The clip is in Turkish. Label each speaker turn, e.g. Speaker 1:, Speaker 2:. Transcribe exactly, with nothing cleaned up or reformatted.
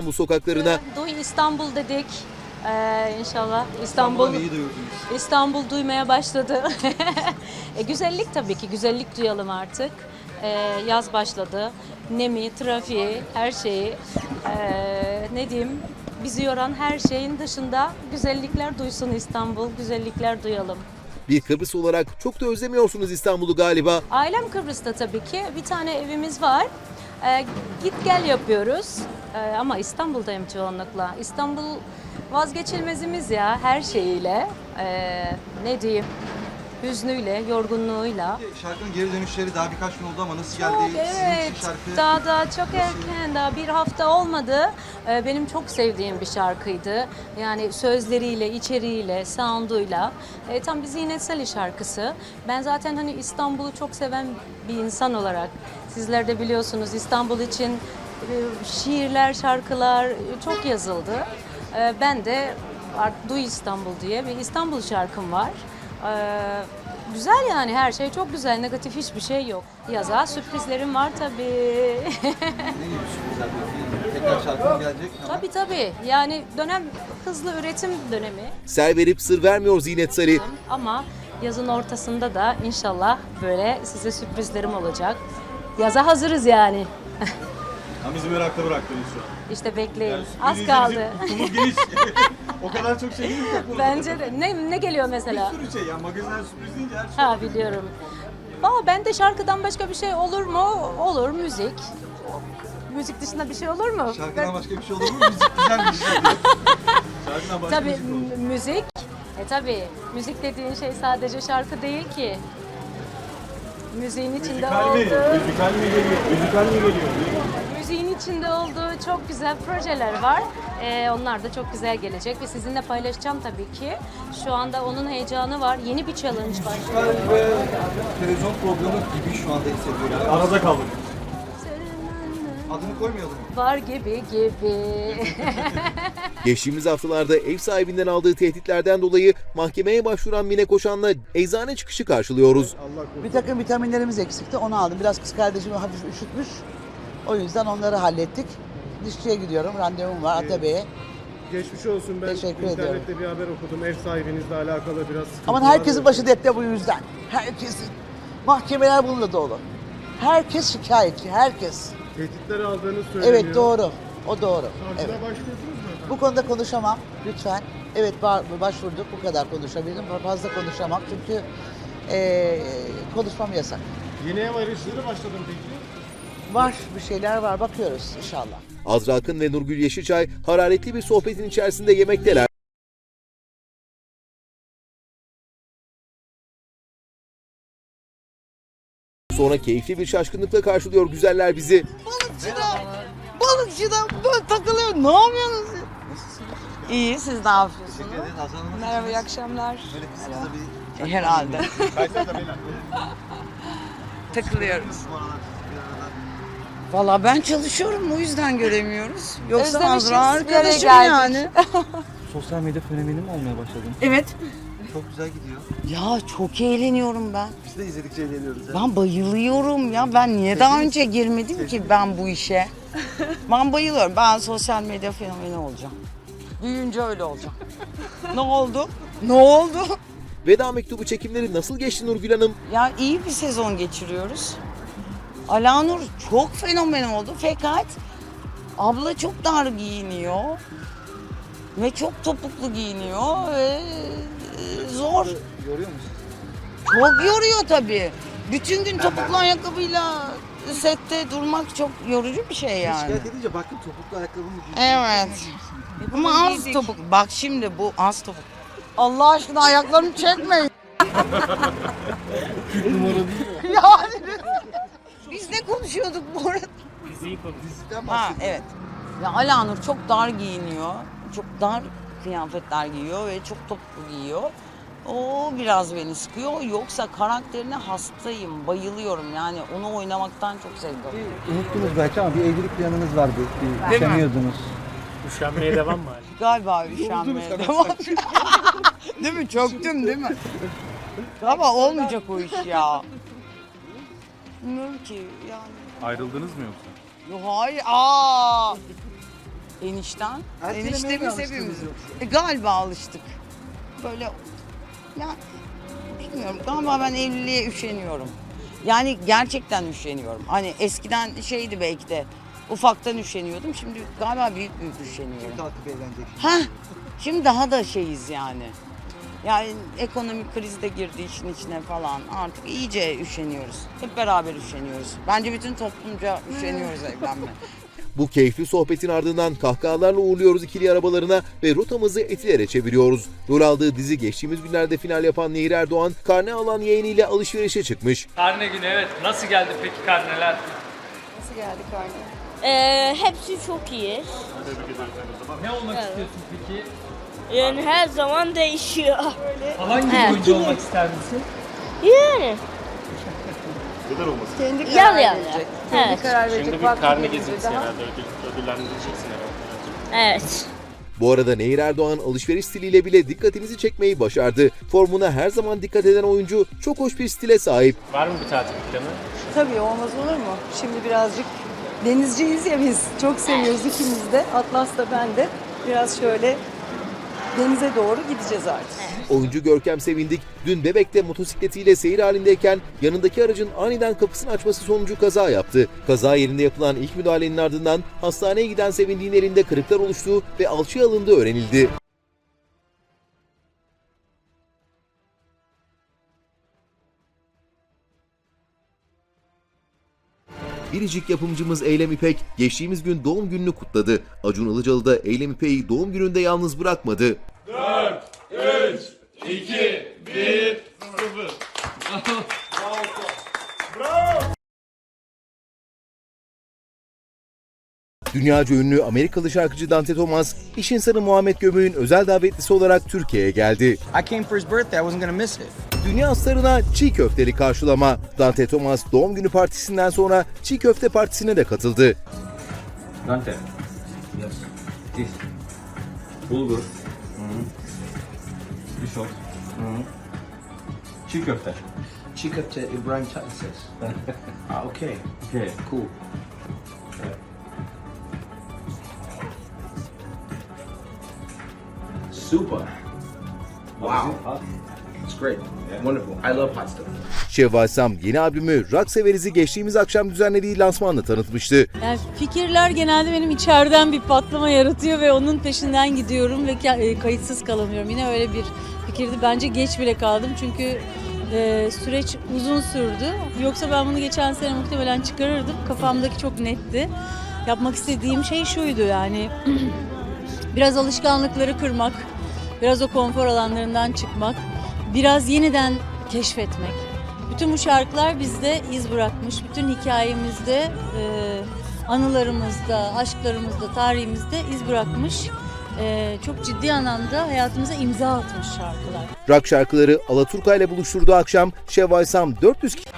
Speaker 1: İstanbul sokaklarına.
Speaker 2: Duy İstanbul dedik. Ee, inşallah İstanbul
Speaker 3: İyi duyurdunuz.
Speaker 2: İstanbul duymaya başladı. e, güzellik tabii ki güzellik duyalım artık. Ee, yaz başladı. Nemi, trafiği, her şeyi ee, ne diyeyim bizi yoran her şeyin dışında güzellikler duysun İstanbul, güzellikler duyalım.
Speaker 1: Bir Kıbrıs olarak çok da özlemiyorsunuz İstanbul'u galiba.
Speaker 2: Ailem Kıbrıs'ta tabii ki. Bir tane evimiz var. Ee, git gel yapıyoruz. Ee, ama İstanbul'dayım çoğunlukla. İstanbul vazgeçilmezimiz ya her şeyiyle. Ee, ne diyeyim? Hüznüyle, yorgunluğuyla.
Speaker 3: Şarkının geri dönüşleri daha birkaç gün oldu ama nasıl geldi?
Speaker 2: Çok
Speaker 3: Sizin
Speaker 2: evet.
Speaker 3: için şarkı
Speaker 2: Daha daha çok erken, daha bir hafta olmadı. Ee, benim çok sevdiğim bir şarkıydı. Yani sözleriyle, içeriğiyle, sound'uyla. Ee, tam bir Zinet Salih şarkısı. Ben zaten hani İstanbul'u çok seven bir insan olarak, sizler de biliyorsunuz İstanbul için e, şiirler, şarkılar çok yazıldı. Ee, ben de Art Duy İstanbul diye bir İstanbul şarkım var. Ee, güzel yani her şey çok güzel, negatif hiçbir şey yok. Yaza sürprizlerim var tabii.
Speaker 3: ne gibi sürprizler bekliyor? Tekrar şarkı mı gelecek? Ama
Speaker 2: Tabii tabii yani dönem hızlı üretim dönemi
Speaker 1: Ser verip sır vermiyor Zinet Salih.
Speaker 2: ama yazın ortasında da inşallah böyle size sürprizlerim olacak. Yaza hazırız yani.
Speaker 4: Ha, bizi merakla bıraktınız şu an.
Speaker 2: İşte bekleyin.
Speaker 4: Yani
Speaker 2: Az
Speaker 4: sürpriz
Speaker 2: kaldı.
Speaker 4: bizim ufkumuz geniş. O kadar çok şey değil mi?
Speaker 2: Bence de. Ne, ne geliyor mesela?
Speaker 4: Bir sürü şey ya. Magazinler sürpriz deyince her şey.
Speaker 2: Ha biliyorum. Valla bende şarkıdan başka bir şey olur mu? Olur müzik. Müzik dışında bir şey olur mu?
Speaker 3: şarkıdan başka bir şey olur mu? Müzik güzel bir şey.
Speaker 4: Şarkıdan başka
Speaker 2: Tabii
Speaker 4: müzik olur.
Speaker 2: m- müzik. E tabii müzik dediğin şey sadece şarkı değil ki. Müziğin içinde
Speaker 4: Müzikal mi?
Speaker 2: olduğu,
Speaker 4: Müzikal mi geliyor? Müzikal mi geliyor?
Speaker 2: müziğin içinde olduğu çok güzel projeler var. Ee, onlar da çok güzel gelecek ve sizinle paylaşacağım tabii ki. Şu anda onun heyecanı var. Yeni bir challenge var.
Speaker 3: Müzikal ve televizyon programı gibi şu anda hissediyorum.
Speaker 4: Arada kaldık.
Speaker 3: Adını koymayalım.
Speaker 2: Var gibi gibi.
Speaker 1: Geçtiğimiz haftalarda ev sahibinden aldığı tehditlerden dolayı mahkemeye başvuran Mine Koşan'la eczane çıkışı karşılıyoruz.
Speaker 5: Bir takım vitaminlerimiz eksikti, onu aldım. Biraz kız kardeşimi hafif üşütmüş. O yüzden onları hallettik. Dişçiye gidiyorum, randevum var Atabey'e.
Speaker 6: Geçmiş olsun. Ben
Speaker 5: Teşekkür
Speaker 6: internette
Speaker 5: ediyorum.
Speaker 6: bir haber okudum. Ev sahibinizle alakalı biraz sıkıntılar.
Speaker 5: Aman herkesin başı dertte bu yüzden. Herkesin. Mahkemeler bununla dolu. Herkes şikayetçi, herkes.
Speaker 6: Tehditler aldığını söyleniyor.
Speaker 5: Evet doğru, o doğru.
Speaker 6: Savcılığa
Speaker 5: Evet.
Speaker 6: başvurdunuz mu efendim?
Speaker 5: Bu konuda konuşamam, lütfen. Evet ba- başvurduk, bu kadar konuşabilirim. Fazla konuşamam çünkü eee konuşmam yasak.
Speaker 6: Yeni ev arayışları başladım peki.
Speaker 5: Var, bir şeyler var, bakıyoruz inşallah.
Speaker 1: Azra Akın ve Nurgül Yeşilçay hararetli bir sohbetin içerisinde yemekteler. Sonra keyifli bir şaşkınlıkla karşılıyor güzeller bizi.
Speaker 5: Balıkçıda, balıkçıda böyle takılıyor. Ne yapıyorsunuz? İyi, siz ne yapıyorsunuz?
Speaker 3: Teşekkür ederiz. Hasan Hanım.
Speaker 7: Merhaba, iyi akşamlar.
Speaker 3: Böyle kısa kısa bir
Speaker 5: Herhalde.
Speaker 7: Takılıyoruz.
Speaker 3: bu aralar bir aralar.
Speaker 7: Valla ben çalışıyorum, o yüzden göremiyoruz. Yoksa
Speaker 2: Özlemişiz,
Speaker 7: Azra
Speaker 2: bir araya
Speaker 7: arkadaşım
Speaker 2: geldik.
Speaker 7: yani.
Speaker 3: Sosyal medya fenomeni mi olmaya başladın?
Speaker 7: Evet.
Speaker 3: Çok güzel gidiyor.
Speaker 7: Ya çok eğleniyorum ben.
Speaker 3: Biz de izledikçe eğleniyoruz. ya.
Speaker 7: Ben bayılıyorum ya. Ben niye daha önce girmedim ki ben bu işe? Ben bayılıyorum. Ben sosyal medya fenomeni olacağım. Büyüyünce öyle olacağım. Ne oldu? Ne oldu?
Speaker 1: Veda mektubu çekimleri nasıl geçti Nurgül Hanım?
Speaker 7: Ya iyi bir sezon geçiriyoruz. Alanur çok fenomen oldu fakat abla çok dar giyiniyor ve çok topuklu giyiniyor ve e, zor.
Speaker 3: Yoruyor musun?
Speaker 7: Çok yoruyor tabii. Bütün gün topuklu ayakkabıyla sette durmak çok yorucu bir şey yani.
Speaker 3: Şikayet edince baktım topuklu ayakkabımı giyiyor.
Speaker 7: Evet. Ama az topuk. Bak şimdi bu az topuk. Allah aşkına ayaklarımı çekmeyin. Yani biz ne konuşuyorduk bu arada?
Speaker 3: Diziden
Speaker 7: Ha
Speaker 3: bahsediyorum.
Speaker 7: evet. Ya Alanur çok dar giyiniyor. Çok dar kıyafetler giyiyor ve çok topuklu giyiyor. O biraz beni sıkıyor. Yoksa karakterine hastayım, bayılıyorum. Yani onu oynamaktan çok zevk alıyorum.
Speaker 3: Unuttunuz belki ama bir evlilik planınız vardı. Bir üşeniyordunuz.
Speaker 8: Üşenmeye devam mı?
Speaker 7: Galiba üşenmeye devam. Değil mi? Çöktüm değil mi? Galiba olmayacak o iş ya. Bilmiyorum ki yani.
Speaker 4: Ayrıldınız mı yoksa?
Speaker 7: Yo, hayır. Aa! Enişten.
Speaker 5: Ertelemeye mi
Speaker 7: Eniştemiz
Speaker 5: alıştınız
Speaker 7: hepimiz.
Speaker 5: yoksa?
Speaker 7: E, galiba alıştık. Böyle ya bilmiyorum, galiba ben evliliğe üşeniyorum. Yani gerçekten üşeniyorum. Hani eskiden şeydi belki de ufaktan üşeniyordum. Şimdi galiba büyük büyük üşeniyorum.
Speaker 3: Kalkıp evlenecek.
Speaker 7: Ha, şimdi daha da şeyiz yani. Yani ekonomik kriz de girdi işin içine falan. Artık iyice üşeniyoruz. Hep beraber üşeniyoruz. Bence bütün toplumca üşeniyoruz evlenme.
Speaker 1: Bu keyifli sohbetin ardından kahkahalarla uğurluyoruz ikili arabalarına ve rotamızı Etiler'e çeviriyoruz. Rol aldığı dizi geçtiğimiz günlerde final yapan Nehir Erdoğan, karne alan yeğeniyle alışverişe çıkmış.
Speaker 8: Karne günü, evet. Nasıl geldi peki karneler?
Speaker 9: Ee, hepsi çok iyi.
Speaker 8: Ne olmak istiyorsun peki?
Speaker 9: Yani her zaman değişiyor.
Speaker 8: Hangi
Speaker 9: Evet.
Speaker 8: oyuncu olmak ister misin?
Speaker 9: Yani. Yal yani. Evet.
Speaker 8: Şimdi bir karne gezintisi herhalde ödül, ödüllendireceksin herhalde.
Speaker 9: Evet.
Speaker 1: Bu arada Nehir Erdoğan alışveriş stiliyle bile dikkatimizi çekmeyi başardı. Formuna her zaman dikkat eden oyuncu çok hoş bir stile sahip.
Speaker 8: Var mı bir tatil planı?
Speaker 10: Tabii, olmaz olur mu? Şimdi birazcık denizciyiz ya biz. Çok seviyoruz ikimiz de. Atlas da ben de. Biraz şöyle denize doğru gideceğiz artık.
Speaker 1: Oyuncu Görkem Sevindik dün Bebek'te motosikletiyle seyir halindeyken yanındaki aracın aniden kapısını açması sonucu kaza yaptı. Kaza yerinde yapılan ilk müdahalenin ardından hastaneye giden Sevindik'in elinde kırıklar oluştuğu ve alçıya alındığı öğrenildi. Biricik yapımcımız Eylem İpek geçtiğimiz gün doğum gününü kutladı. Acun Ilıcalı da Eylem İpek'i doğum gününde yalnız bırakmadı.
Speaker 4: dört, üç, iki, bir, sıfır.
Speaker 1: Dünyaca ünlü Amerikalı şarkıcı Dante Thomas, iş insanı Muhammed Gömük'ün özel davetlisi olarak Türkiye'ye geldi.
Speaker 3: I came for his birthday. I wasn't gonna miss it.
Speaker 1: Dünya starına çiğ köfteli karşılama. Dante Thomas doğum günü partisinden sonra çiğ köfte partisine de katıldı.
Speaker 4: Dante. Yes. This. Bulgur. Risotto. Çiğ köfte.
Speaker 3: Çiğ köfte İbrahim Tatlıses. Ah, okay.
Speaker 4: Okay.
Speaker 3: Cool. Super. Wow. It's great. Wonderful. I love hot stuff.
Speaker 1: Şevval Sam yeni albümü Rock Severiz'i geçtiğimiz akşam düzenlediği lansmanla tanıtmıştı.
Speaker 2: Yani fikirler genelde benim içeriden bir patlama yaratıyor ve onun peşinden gidiyorum ve ka- kayıtsız kalamıyorum. Yine öyle bir fikirdi. Bence geç bile kaldım çünkü e, süreç uzun sürdü. Yoksa ben bunu geçen sene muhtemelen çıkarırdım. Kafamdaki çok netti. Yapmak istediğim şey şuydu yani biraz alışkanlıkları kırmak, biraz o konfor alanlarından çıkmak, biraz yeniden keşfetmek. Bütün bu şarkılar bizde iz bırakmış. Bütün hikayemizde, e, anılarımızda, aşklarımızda, tarihimizde iz bırakmış. E, çok ciddi anlamda hayatımıza imza atmış şarkılar.
Speaker 1: Rock şarkıları Alaturka ile buluşturduğu akşam Şevval Sam dört yüz